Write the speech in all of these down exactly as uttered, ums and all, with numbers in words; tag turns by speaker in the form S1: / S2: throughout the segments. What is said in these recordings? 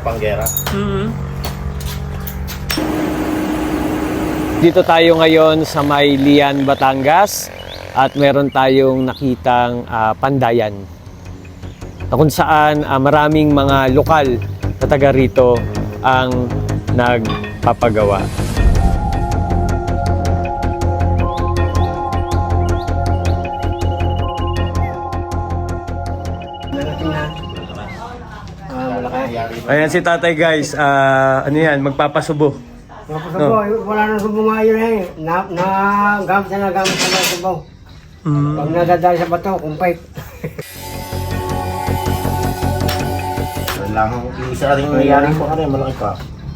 S1: panggera.
S2: Mm-hmm.
S3: Dito tayo ngayon sa may Lian, Batangas at meron tayong nakitang uh, pandayan na kung saan uh, maraming mga lokal na taga rito ang nagpapagawa. Ayan si tatay guys, uh, ano yan, magpapasubo.
S2: Magpapasubo, no. Wala nang subo nga yun eh. Na, na, gamit na nagamit na ng subo. Mm. Pag nadadali sa bato, kumpay.
S1: Lang, isa rin nangyari po ka rin, malaki pa.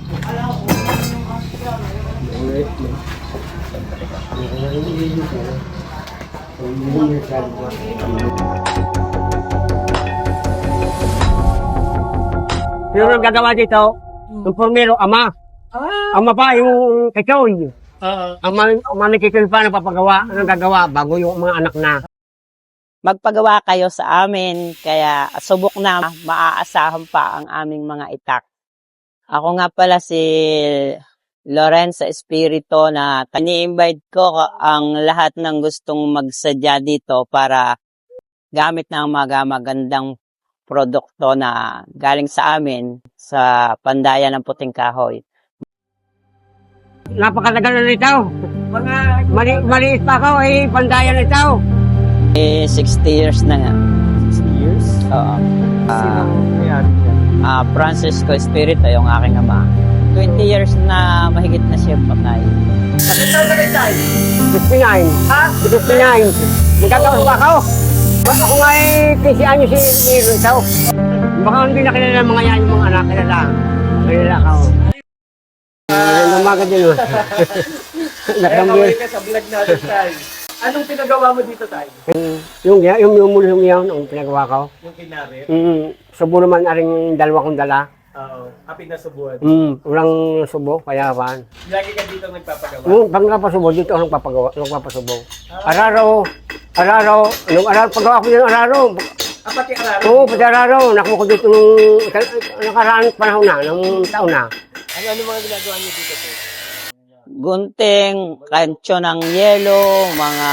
S2: Sino nang gagawa dito? Yung formero, ama. Ah. Ama pa, yung kachoy. Uh, ama, ama ni kachoy pa napapagawa. Anong gagawa? Bago yung mga anak na.
S4: Magpagawa kayo sa amin, kaya subok na maaasahan pa ang aming mga itak. Ako nga pala si Lorenza Espirito na ini-invite ko ang lahat ng gustong magsadya dito para gamit ng mga magandang produkto na galing sa amin sa Pandayan ng Puting Kahoy.
S2: Napakatagal na nito. Mga mali, maliit pa ako, eh, Pandayan nito.
S4: Eh, sixty years na nga.
S3: sixty years?
S4: Oo.
S3: Sinong
S4: Uh, uh, Francisco Espirito, yung aking ama. twenty years na mahigit na siya patay.
S2: Bakit tayo na tayo? fifty-nine. Ha? fifty-nine. Nagkataon pa ako. Ako nga eh, kasi anyo si Iron Tao. Baka hindi na kilala ng mga yan, yung mga anak kilala. Kilala ka. Ang umaga din o.
S3: Nakambir ka sa vlog natin tayo. Anong pinagawa mo dito tayo?
S2: Yung yung yung yung yung yung yung pinagawa ko.
S3: Yung kinari?
S2: Mm, subo naman aring yung dalawa kong dala.
S3: Oo, happy na subuan.
S2: Mm, walang subo, kaya pan.
S3: Lagi ka dito nagpapagawa?
S2: Mm, pag nagpapasubo, dito ako nagpapagawa, nagpapasubo. Araro, araro, nung araro, pagawa ko yung araro.
S3: Ah, pati araro?
S2: Oo, pati araro. Nakuha ko dito nung nakaraang panahon na, nung taon na.
S3: Ano, ano mga ginagawa niyo dito po?
S4: Gunting, kancho ng yelo, mga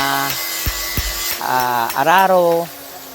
S4: uh, araro,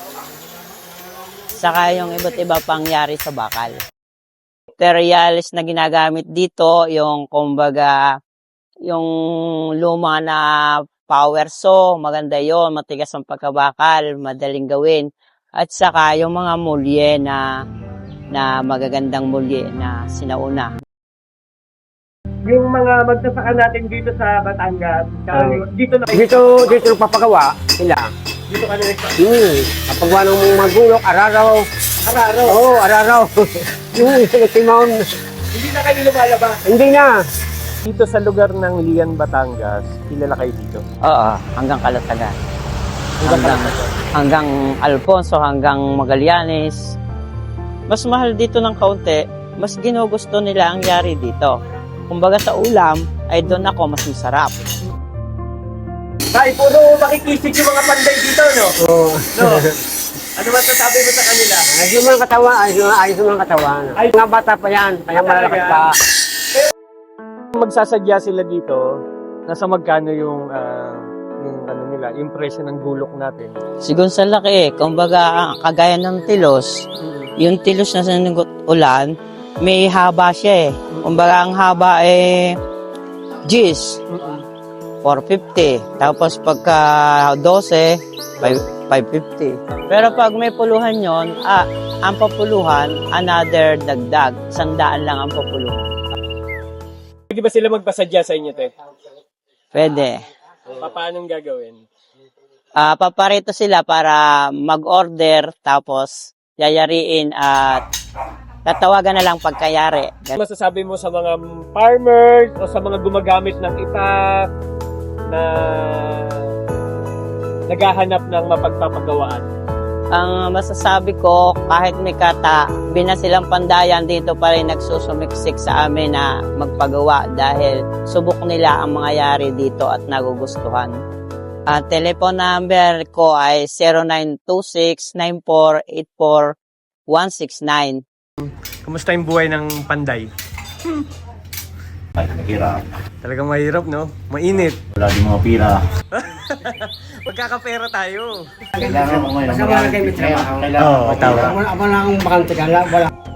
S4: saka yung iba't iba pangyari sa bakal. Materials na ginagamit dito, yung kumbaga, yung luma na power saw, maganda yon, matigas ang pagkabakal, madaling gawin. At saka yung mga mulye na, na magagandang mulye na sinauna.
S3: Yung mga magsasaka natin dito sa Batangas, uh, dito na
S2: Dito, dito nagpapagawa sila.
S3: Dito ka na nagpapagawa?
S2: Hmm, kapagawa ng mga magulok, araraw.
S3: Araro?
S2: Oo, oh, araraw. Yung Timon.
S3: Hindi na kayo lumalabas?
S2: Hindi na.
S3: Dito sa lugar ng Lian, Batangas, kilala kayo dito?
S4: Oo, hanggang Kalatagan.
S3: Hanggang,
S4: hanggang, hanggang Alfonso, hanggang Magallanes. Mas mahal dito ng kaunti, mas ginugusto nila ang yari dito. Kumbaga sa ulam, ay doon ako mas masarap.
S3: Tay, puro makikisig yung mga panday dito, no?
S2: Oo.
S3: No? Ano masasabi mo sa kanila?
S2: Ayos yung mga katawan, ayos yung, ayos yung mga katawan. Ay, mga bata pa yan, kaya malalakas pa.
S3: Magsasadya sila dito, nasa magkano yung, uh, yung ano nila, yung presyo ng gulok natin?
S4: Sigun sa laki eh, kumbaga kagaya ng tilos, yung tilos na sinugot ulan, may haba siya eh. Kumbaga ang haba eh, G's, four fifty. Tapos pagka twelve, five fifty. Pero pag may puluhan yon, ah, ang papuluhan, another dagdag. Sandaan lang ang papuluhan.
S3: Pwede ba sila magpasadya sa inyo, te?
S4: Pwede.
S3: Pa- Paano gagawin?
S4: Ah, paparito sila para mag-order, tapos yayariin at tatawagan na lang pagkayari.
S3: Ano masasabi mo sa mga farmers o sa mga gumagamit ng itak na naghahanap ng mapagpapagawaan?
S4: Ang masasabi ko, kahit may kata, bina silang Pandayan, dito pa rin nagsusumiksik sa amin na magpagawa dahil subok nila ang mga yari dito at nagugustuhan. Ang uh, telephone number ko ay zero nine two six, nine four eight four, one six nine.
S3: Kumusta yung buhay ng panday?
S1: Ay, mahirap.
S3: Talagang mahirap, no? Mainit.
S1: Wala din mga pira.
S3: Magkakapera tayo.
S1: Kailangan mo ngayon.
S2: Basta wala kayo may trabaho.
S1: Kailangan
S3: Oo,
S1: mo
S3: tama.
S2: Wala, wala akong bakante ka. Wala, wala.